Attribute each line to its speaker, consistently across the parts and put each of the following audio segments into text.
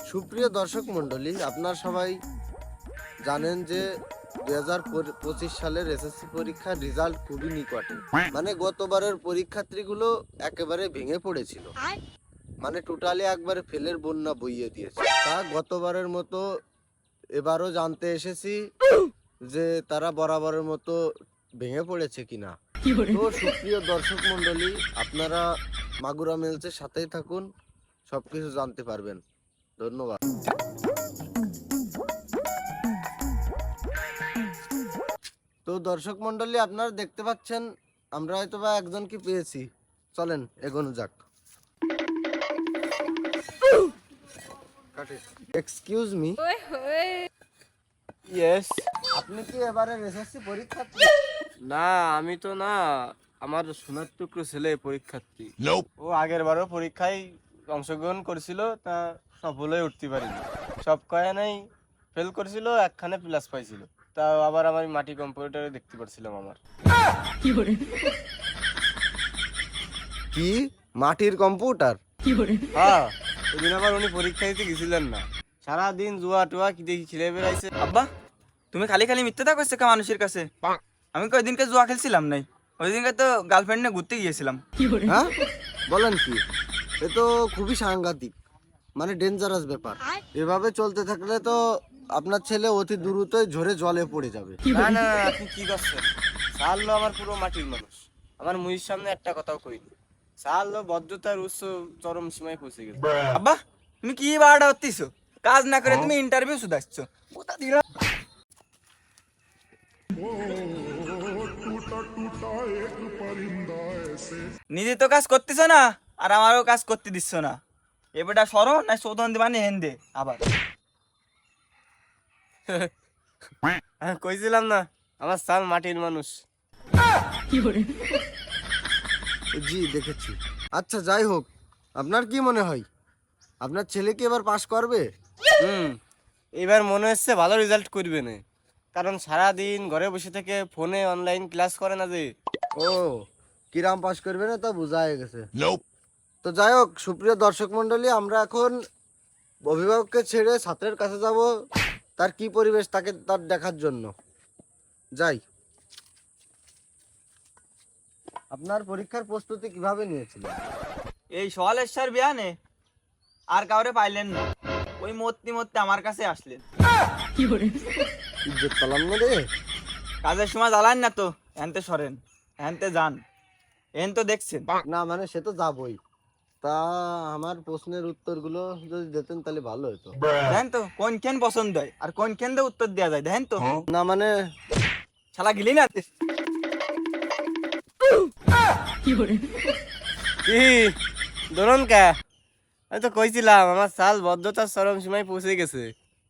Speaker 1: সুপ্রিয় দর্শক মণ্ডলী, আপনারা সবাই জানেন যে 2025 সালের এসএসসি পরীক্ষার রেজাল্ট খুবই নিকটে। মানে গতবারের পরীক্ষার্থীগুলো একেবারে ভেঙে পড়েছিল, মানে টোটালি একবারে ফেলের বন্যা বইয়ে দিয়েছে। তা গতবারের মতো এবারও জানতে এসেছি যে তারা বরাবরের মতো ভেঙে পড়েছে কিনা। তো সুপ্রিয় দর্শক মণ্ডলী, আপনারা মাগুরা মেলসের সাথেই থাকুন, সবকিছু জানতে পারবেন। ধন্যবাদ। তো দর্শক মণ্ডলী, আপনারা দেখতে পাচ্ছেন আমরা হয়তো বা একজনকে পেয়েছি। চলেন এগোনো যাক। Excuse me.
Speaker 2: ইয়েস।
Speaker 1: আপনি কি এবারে এসএসসি পরীক্ষার্থী?
Speaker 2: না, আমি তো না, আমার সোনার টুকরো ছেলে পরীক্ষার্থী। ও আগের বারও পরীক্ষায় অংশগ্রহণ করেছিল, তা সফল হয়ে উঠতে পারিনি। সব কয়খানেই ফেল করেছিল, একখানে প্লাস পাইছিল। তা আবার আমার মাটি কম্পিউটারে দেখতে পাচ্ছিলাম আমার।
Speaker 1: কি মাটির কম্পিউটার?
Speaker 2: হ্যাঁ, ওদিন আবার উনি পরীক্ষা দিতে গেছিলেন না, সারাদিন জুয়া টুয়া কি দেখি খেলে বেড়াইছে।
Speaker 3: আব্বা, তুমি খালি খালি মিথ্যা করছো কা মানুষের কাছে? আমি কই দিনকে জুয়া খেলছিলাম নাই, ওই দিনকে তো গার্লফ্রেন্ড নিয়ে ঘুরতে গিয়েছিলাম।
Speaker 1: হ্যাঁ বলেন কি? এ তো খুবই সাংঘাতিক, মানে ডেঞ্জারাস ব্যাপার। এভাবে চলতে থাকলে তো আপনার ছেলে অতি দ্রুতই ঝরে জলে পড়ে যাবে।
Speaker 2: না না, আপনি কি করছেন? সারলো আমার পুরো মাটির মানুষ, আমার মুহির সামনে একটা কথাও কইনি। সারলো ভদ্রতার উচ্চ চরম সীমায় পৌঁছে গেছে।
Speaker 3: আব্বা, তুমি কি বাড়াটা হচ্ছিস? কাজ না করে তুমি ইন্টারভিউ শুধাচ্ছ। নিজে তো কাজ করতেছ না, আর আমারও কাজ করতে দিচ্ছ না। এবারটা সরো না শোধন দিবানি হেন্দে আবার।
Speaker 2: আমি কইছিলাম না আমার সাল মাটির মানুষ।
Speaker 1: জি দেখেছি। আচ্ছা যাই হোক, আপনার কি মনে হয় আপনার ছেলে কি এবার পাশ করবে?
Speaker 2: এবার মনে হচ্ছে ভালো রেজাল্ট করবে না, কারণ সারাদিন ঘরে বসে থেকে ফোনে অনলাইন ক্লাস করে না যে।
Speaker 1: ও, কিরাম পাশ করবে না তা বোঝা হয়ে গেছে। তো যাই হোক, সুপ্রিয় দর্শক মণ্ডলী, আমরা এখন অভিভাবককে ছেড়ে ছাত্রের কাছে যাব, তার কি পরিবেশ তাকে তার দেখার জন্য। যাই। আপনার পরীক্ষার প্রস্তুতি কিভাবে নিয়েছিলেন?
Speaker 3: এই সওয়ালেশ্বর বিয়ানে আর কাউরে পাইলেন না, ওই মূর্তি আমার কাছে আসলেন।
Speaker 1: ইজ্জত পালাম না রে।
Speaker 3: কাজের সময় জ্বালান না তো, এনতে সরেন, এনতে যান, এন তো দেখছেন।
Speaker 1: না মানে সে তো যাবই, তা আমার প্রশ্নের উত্তরগুলো যদি দিতেন তাহলে ভালো হতো।
Speaker 3: দেখেন তো কোনখান পছন্দ হয় আর কোনখান দিয়ে উত্তর দেওয়া যায়, দেখেন তো।
Speaker 1: না মানে
Speaker 3: শালা গিলি না।
Speaker 2: কি ধরুন কে, আমি তো কইছিলাম আমার সাল ভদ্রতার চরম সীমায় পৌঁছে গেছে।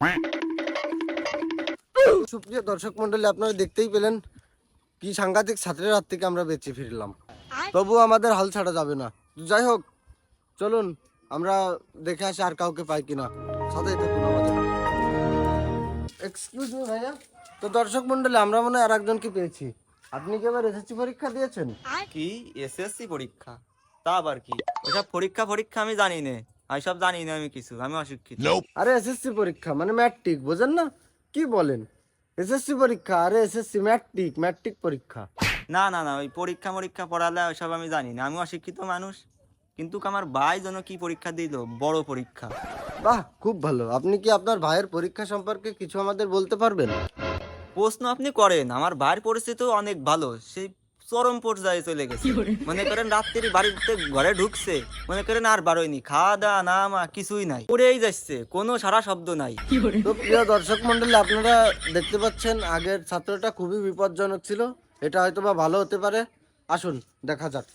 Speaker 1: সুপ্রিয় দর্শক মন্ডলী, আপনারা দেখতেই পেলেন কি সাংঘাতিক ছাত্রের হাত থেকে আমরা বেঁচে ফিরলাম। তবু আমাদের হাল ছাড়া যাবে না। যাই হোক, চলুন আমরা দেখে আসি আর কাউকে পাই কিনা। সাথেই থাকুন আমাদের। এক্সকিউজ মি ভাইয়া। তো দর্শক মন্ডলী, আমরা মনে হয় আর একজনকে পেয়েছি। আপনি কি এবার এসএসসি পরীক্ষা দিয়েছেন?
Speaker 3: কি এসএসসি পরীক্ষা? তা আবার কি? ওসব পরীক্ষা আমি জানি না, আমি সব জানি না, আমি কিছু, আমি অশিক্ষিত।
Speaker 1: আরে এসএসসি পরীক্ষা মানে ম্যাট্রিক, বোঝেন না? কি বলেন এসএসসি পরীক্ষা? আরে এসএসসি ম্যাট্রিক পরীক্ষা।
Speaker 3: না না না, ওই পরীক্ষা পড়ালে ওইসব আমি জানি না, আমি অশিক্ষিত মানুষ। কিন্তু আমার ভাই যেন কি পরীক্ষা দিল, বড় পরীক্ষা।
Speaker 1: বাহ, খুব ভালো। আপনি কি আপনার ভাইয়ের পরীক্ষা সম্পর্কে কিছু আমাদের বলতে পারবেন?
Speaker 3: প্রশ্ন আপনি করেন, আমার ভাইয়ের পরিস্থিতি অনেক ভালো, সেই চরম পর্যায়ে চলে গেছে। মনে করেন রাত্রি বাড়িতে ঘরে ঢুকছে, মনে করেন আর বারোয়নি, খাওয়া দাওয়া না মা কিছুই নাই, পড়েই যাচ্ছে, কোনো সারা শব্দ নাই।
Speaker 1: তো প্রিয় দর্শক মন্ডলী, আপনারা দেখতে পাচ্ছেন আগের ছাত্রটা খুবই বিপজ্জনক ছিল, এটা হয়তো বা ভালো হতে পারে। আসুন দেখা যাক।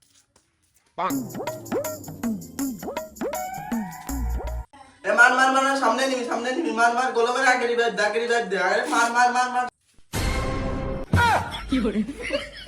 Speaker 3: মার মার মার, সামনে নিবি, মার মার, গোলা করে আগে রিভাইভ দে, আরে মার মার মার মার।